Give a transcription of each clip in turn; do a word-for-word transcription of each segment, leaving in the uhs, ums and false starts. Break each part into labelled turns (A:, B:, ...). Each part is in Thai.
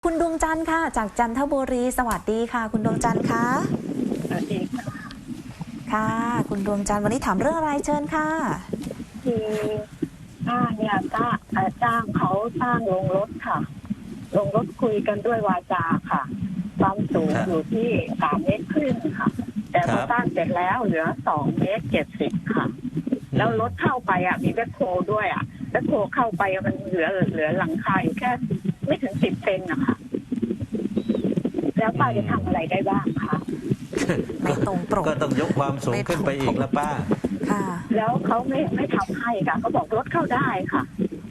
A: คุณดวงจันทร์ค่ะจากจันทบุรีสวัสดีค่ะคุณดวงจันทร์คะ
B: สวัสดีค่ะ
A: ค่ะคุณดวงจันทร์วันนี้ถามเรื่องอะไรเชิญค่ะ
B: คือป้าเนี่ยจ้าจ้างเขาสร้างโรงรถค่ะโรงรถคุยกันด้วยวาจาค่ะความสูงอยู่ที่สามเมตรครึ่งค่ะแต่พอสร้างเสร็จแล้วเหลือสองเมตรเจ็ดสิบค่ะแล้วรถเข้าไปอ่ะมีแบ็คโฮด้วยอ่ะแบ็คโฮเข้าไปมันเหลือเหลือหลังคาอยู่แค่ไม่ถึงสิบเซนนะคะแล้วป้าจะทำอะไรได้บ้างคะ
A: ไม่ตรงปก
C: ก็ต้องยกความสูงขึ้นไปอีกแล้วป้า
A: ค่ะ
B: แล้วเขาไม่ไม่ทำให้ค่ะเขาบอกรถเข้าได้ค่ะ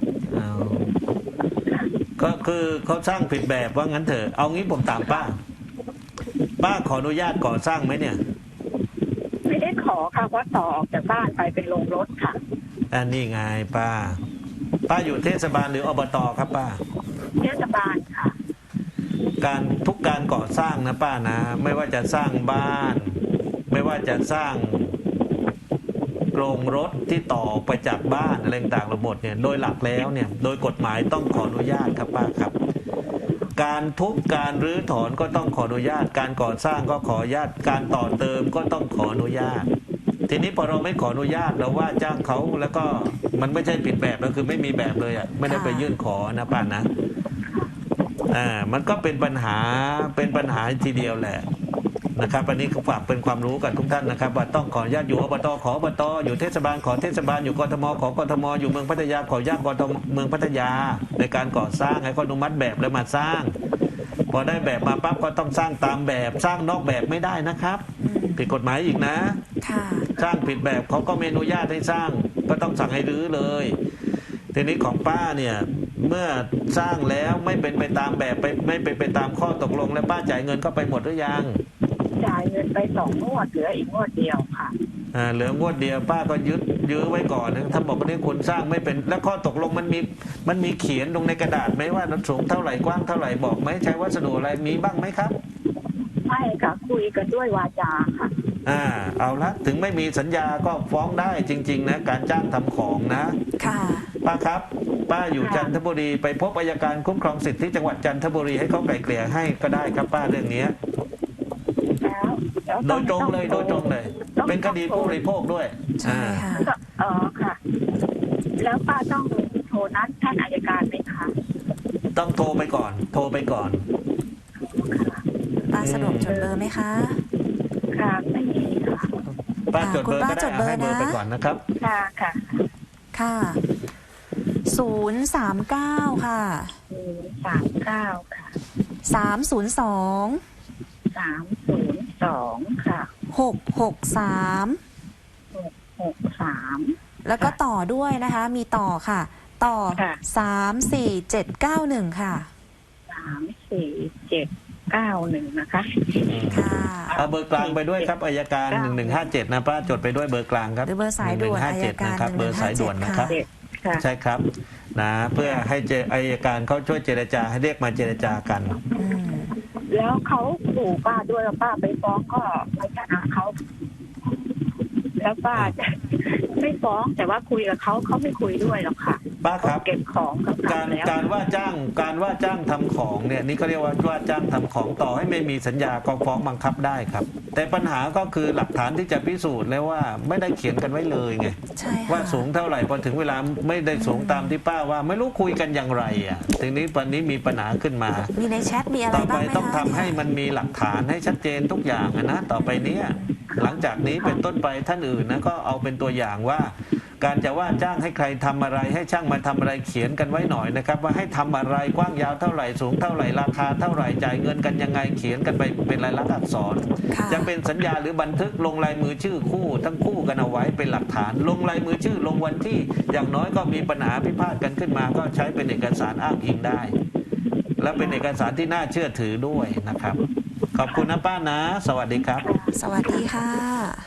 C: ก็คือเขาสร้างผิดแบบว่างั้นเถอะเอางี้ผมถามป้าป้าขออนุญาตก่อสร้างไหมเนี่ย
B: ไม่ได้ขอค่ะเพราะต่อออกจากบ้านไปเป็นโรงรถค่ะ
C: อันนี้ไงป้าป้าอยู่เทศบาลหรืออบตครับป้า
B: เทศบาลค่ะ
C: การทุกการก่อสร้างนะป้านะไม่ว่าจะสร้างบ้านไม่ว่าจะสร้างโรงรถที่ต่อไปจากบ้านอะไรต่างๆระบบเนี่ยโดยหลักแล้วเนี่ยโดยกฎหมายต้องขออนุญาตครับป้าครับการทุบการรื้อถอนก็ต้องขออนุญาตการก่อสร้างก็ขออนุญาตการต่อเติมก็ต้องขออนุญาตทีนี้พอเราไม่ขออนุญาตเราว่าจ้างเขาแล้วก็มันไม่ใช่ผิดแบบก็คือไม่มีแบบเลยอ่ะไม่ได้ไปยื่นขอนะป้านะอ่ามันก็เป็นปัญหาเป็นปัญหาทีเดียวแหละนะครับอันนี้ก็ฝากเป็นความรู้กับทุกท่านนะครับว่าต้องขออนุญาตอยู่อบตขออบตอยู่เทศบาลขอเทศบาลอยู่กทมขอกทมอยู่เมืองพัทยาขออนุญาตกทมเมืองพัทยาในการก่อสร้างให้เขาอนุมัติแบบแล้วมาสร้างพอได้แบบมาปั๊บก็ต้องสร้างตามแบบสร้างนอกแบบไม่ได้นะครับผิดกฎหมายอีกนะสร้างผิดแบบเขาก็ไม่อนุญาตให้สร้างก็ต้องสั่งให้รื้อเลยทีนี้ของป้าเนี่ยเมื่อสร้างแล้วไม่เป็นไปตามแบบไปไม่เป็นไปตามข้อตกลงแล้วป้าจ่ายเงินก็ไปหมดหรือยัง
B: จ่ายเงินไปสองงวดเหลืออีกงวดเดียวค่ะ
C: อ่าเหลืองวดเดียวป้าก็ยึดยื้อไว้ก่อนนะถ้าบอกว่านี่คุณสร้างไม่เป็นแล้วข้อตกลงมันมีมันมีเขียนลงในกระดาษไหมว่าสูงเท่าไหร่กว้างเท่าไหร่บอกไหมใช้วัสดุอะไรมีบ้างไหมครับ
B: ไม่ค่ะคุยกันด้วยวาจาค่ะ
C: อ่าเอาละถึงไม่มีสัญญาก็ฟ้องได้จริงๆนะการจ้างทำของนะ
A: ค่ะ
C: ป้าครับป้าอยู่จันทบุรีไปพบอัยการคุ้มครองสิทธิที่จังหวัดจันทบุรีให้เขาไกล่เกลี่ยให้ก็ได้ครับป้าเรื่องนี้โดยตรงเลยโดยตรงเลยเป็นคดีผู้บริโภคด้วย
A: ใช่ค่ะ
B: อ๋อค่ะแล้วป้าต้องโทรนัดท่านอัยการไหมคะ
C: ต้องโทรไปก่อนโทรไปก่อน
A: ป้าสะดวกจดเบอร์ไหมคะ
B: ค่ะไม่มีค่ะ
C: ป้าจดเบอร์ก็ได้ให้เบอร์ไปก่อนนะครับ
B: ค่ะค่ะ
A: ค่ะศูนย์สามเก้าค่ะ
B: ศูนย์สามเก้าค่ะ
A: สามศูนย์สอง
B: สามศูนย์สองค่ะ
A: หกหกสาม
B: หกหกสาม
A: แล้วก็ต่อด้วยนะคะมีต่อค่ะต่อสามสี่เจ็ดเก้าหนึ่งค่ะ
B: สามสี่เจ็ดเก้าหนึ่งนะคะ
A: ค่ะ
C: เอาเบอร์กลางไปด้วยครับอัยการหนึ่งหนึ่งห้าเจ็ดนะป้าจดไปด้วยเบอร์กลางครับ
A: หรือเบอร์สายด่วนอัยการ
C: นะครับเบอร์สายด่วนนะครับใช่ครับนะเพื่อให้เจอัยการเขาช่วยเจรจาให้เรียกมาเจรจากัน
B: แล้วเขาขู่ป้าด้วยแล้วป้าไปฟ้องก็ไม่ชนะเขาแล้วป้าไม่ฟ้องแต่ว่าคุยกับเขาเขาไม่คุยด้วยหรอกค่ะ
C: ป้าครับ
B: เก็บของ
C: การการว่าจ้างการว่าจ้างทำของเนี่ยนี่เขาเรียกว่าว่าจ้างทำของต่อให้ไม่มีสัญญาก็ฟ้องบังคับได้ครับแต่ปัญหาก็คือหลักฐานที่จะพิสูจน์แล้วว่าไม่ได้เขียนกันไว้เลยไงว่าสูงเท่าไหร่พอถึงเวลาไม่ได้สูงตามที่ป้าว่าไม่รู้คุยกันอย่างไรอ่ะทีนี้วันนี้มีปัญหาขึ้นมา
A: มีในแชทมีอะไร
C: บ้างไหมต่อไปต้องทำให้มันมีหลักฐานให้ชัดเจนทุกอย่างนะต่อไปเนี้ยหลังจากนี้เป็นต้นไปท่านอื่นนะก็เอาเป็นตัวอย่างว่าการจะว่าจ้างให้ใครทำอะไรให้ช่างมาทำอะไรเขียนกันไว้หน่อยนะครับว่าให้ทำอะไรกว้างยาวเท่าไหร่สูงเท่าไหร่ราคาเท่าไหร่จ่ายเงินกันยังไงเขียนกันไปเป็นลายลักษณ์อักษรจะเป็นสัญญาหรือบันทึกลงลายมือชื่อคู่ทั้งคู่กันเอาไว้เป็นหลักฐานลงลายมือชื่อลงวันที่อย่างน้อยก็มีปัญหาพิพาทกันขึ้นมาก็ใช้เป็นเอกสารอ้างอิงได้และเป็นเอกสารที่น่าเชื่อถือด้วยนะครับขอบคุณนะป้านะสวัสดีครับ
A: สวัสดีค่ะ